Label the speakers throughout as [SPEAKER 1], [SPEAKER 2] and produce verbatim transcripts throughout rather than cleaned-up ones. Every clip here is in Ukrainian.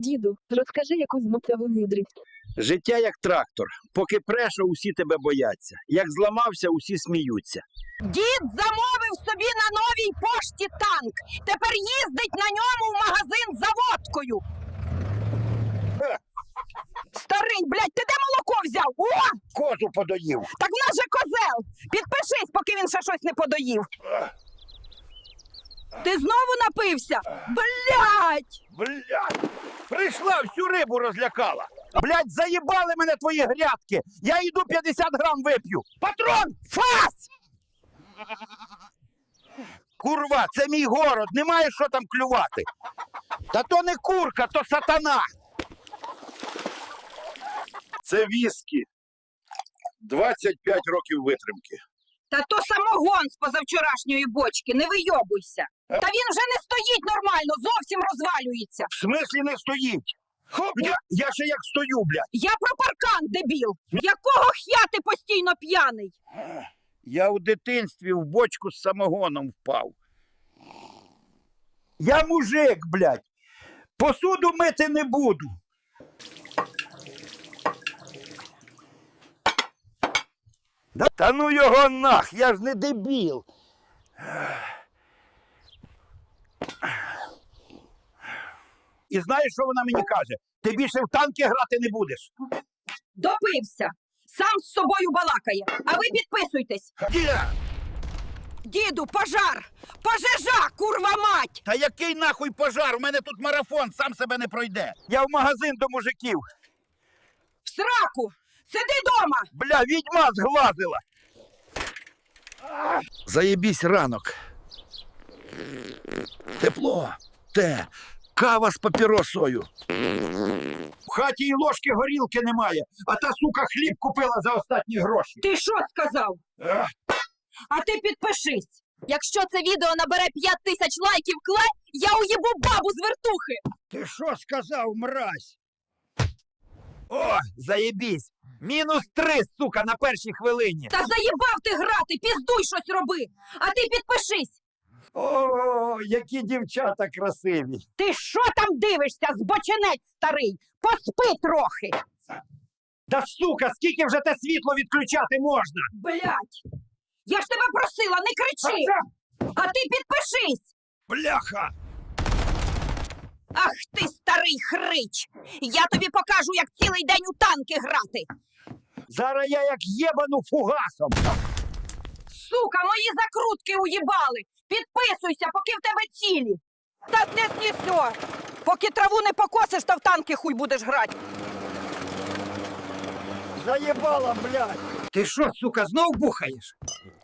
[SPEAKER 1] Діду, розкажи якусь змотиву мудрість.
[SPEAKER 2] Життя як трактор. Поки преш, усі тебе бояться. Як зламався, усі сміються.
[SPEAKER 3] Дід замовив собі на новій пошті танк. Тепер їздить на ньому в магазин за водкою. Старий, блядь, ти де молоко взяв? О!
[SPEAKER 2] Козу подоїв.
[SPEAKER 3] Так в нас же козел. Підпишись, поки він ще щось не подоїв. Ти знову напився? Блядь!
[SPEAKER 2] Блядь! Прийшла, всю рибу розлякала. Блядь, заїбали мене твої грядки. Я йду п'ятдесят грам вип'ю. Патрон! Фас! Курва, це мій город, немає що там клювати. Та то не курка, то сатана. Це віскі. двадцять п'ять років витримки.
[SPEAKER 3] Та то самогон з позавчорашньої бочки, не вийобуйся. Та він вже не стоїть нормально, зовсім розвалюється.
[SPEAKER 2] В смислі не стоїть? Я, я ще як стою, блядь.
[SPEAKER 3] Я про паркан, дебіл. Якого х'я ти постійно п'яний?
[SPEAKER 2] Я у дитинстві в бочку з самогоном впав. Я мужик, блядь. Посуду мити не буду. Да, та ну його нах, я ж не дебіл. І знаєш, що вона мені каже? Ти більше в танки грати не будеш.
[SPEAKER 3] Допився. Сам з собою балакає. А ви підписуйтесь.
[SPEAKER 2] Діда!
[SPEAKER 3] Діду, пожар! Пожежа, курва мать!
[SPEAKER 2] Та який нахуй пожар? У мене тут марафон, сам себе не пройде. Я в магазин до мужиків.
[SPEAKER 3] В сраку! Сиди дома!
[SPEAKER 2] Бля, відьма зглазила. Заєбісь ранок. Тепло. Те. Кава з папіросою. В хаті і ложки горілки немає, а та сука хліб купила за останні гроші.
[SPEAKER 3] Ти що сказав?
[SPEAKER 2] Ех.
[SPEAKER 3] А ти підпишись. Якщо це відео набере п'ять тисяч лайків, клай, я уїбу бабу з вертухи.
[SPEAKER 2] Ти що сказав, мразь? О, заєбісь. Мінус три, сука, на першій хвилині.
[SPEAKER 3] Та заїбав ти грати, піздуй щось роби. А ти підпишись.
[SPEAKER 2] О, які дівчата красиві.
[SPEAKER 3] Ти що там дивишся, збочинець старий? Поспи трохи.
[SPEAKER 2] Да сука, скільки вже те світло відключати можна?
[SPEAKER 3] Блядь. Я ж тебе просила, не кричи. А ти підпишись.
[SPEAKER 2] Бляха!
[SPEAKER 3] Ах ти, старий хрич! Я тобі покажу, як цілий день у танки грати!
[SPEAKER 2] Зараз я як єбану фугасом.
[SPEAKER 3] Сука, мої закрутки уїбали! Підписуйся, поки в тебе цілі! Та не снісо! Поки траву не покосиш, то в танки хуй будеш грати!
[SPEAKER 2] Заєбала, блядь! Ти що, сука, знов бухаєш?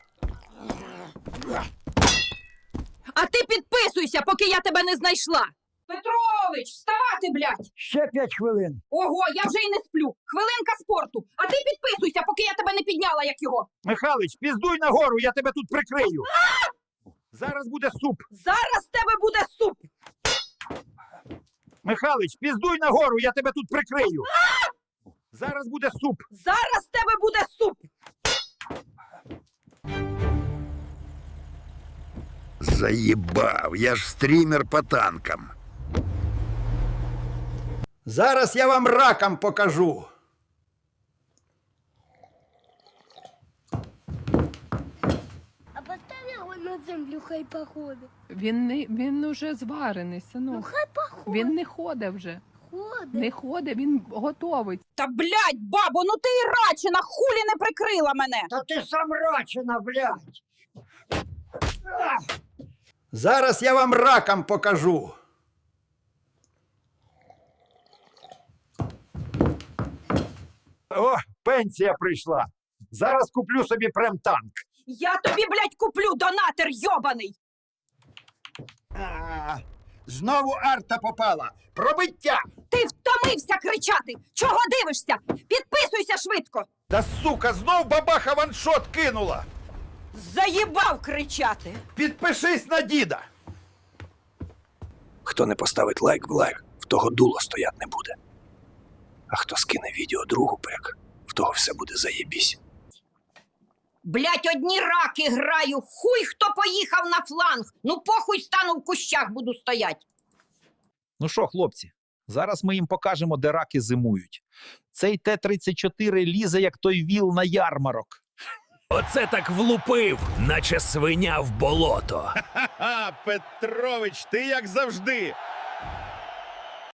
[SPEAKER 3] А ти підписуйся, поки я тебе не знайшла! Петрович, вставати, блядь!
[SPEAKER 2] Ще п'ять хвилин.
[SPEAKER 3] Ого, я вже й не сплю! Хвилинка спорту! А ти підписуйся, поки я тебе не підняла, як його!
[SPEAKER 2] Михалич, піздуй нагору, я тебе тут прикрию. Зараз буде суп.
[SPEAKER 3] Зараз в тебе буде суп!
[SPEAKER 2] Михалич, піздуй нагору, я тебе тут прикрию. Зараз буде суп.
[SPEAKER 3] Зараз в тебе буде суп!
[SPEAKER 2] Заєбав, я ж стрімер по танкам. Зараз я вам раком покажу.
[SPEAKER 4] А поставь його на землю, хай походить.
[SPEAKER 5] Він не він уже зварений,
[SPEAKER 4] Ну
[SPEAKER 5] синок.
[SPEAKER 4] хай походить.
[SPEAKER 5] Він не ходить вже.
[SPEAKER 4] Ходить.
[SPEAKER 5] Не ходить, він готовий.
[SPEAKER 3] Та, блядь, бабо, ну ти і рачина, хулі не прикрила мене!
[SPEAKER 2] Та ти сам рачина, блядь. Зараз я вам раком покажу. О, пенсія прийшла. Зараз куплю собі прем-танк.
[SPEAKER 3] Я тобі, блядь, куплю, донатер йобаний!
[SPEAKER 2] А, знову арта попала. Пробиття.
[SPEAKER 3] Ти втомився кричати! Чого дивишся? Підписуйся швидко!
[SPEAKER 2] Та сука, знов бабаха ваншот кинула.
[SPEAKER 3] Заїбав кричати!
[SPEAKER 2] Підпишись на діда.
[SPEAKER 6] Хто не поставить лайк в лайк, в того дуло стоять не буде. А хто скине відео другу пек, в того все буде заєбісь.
[SPEAKER 3] Блядь, одні раки граю! Хуй хто поїхав на фланг! Ну похуй стану в кущах буду стоять!
[SPEAKER 7] Ну що, хлопці, Зараз ми їм покажемо, де раки зимують. Цей Т тридцять чотири лізе, як той віл на ярмарок.
[SPEAKER 6] Оце так влупив, наче свиня в болото.
[SPEAKER 8] Ха, Петрович, ти як завжди.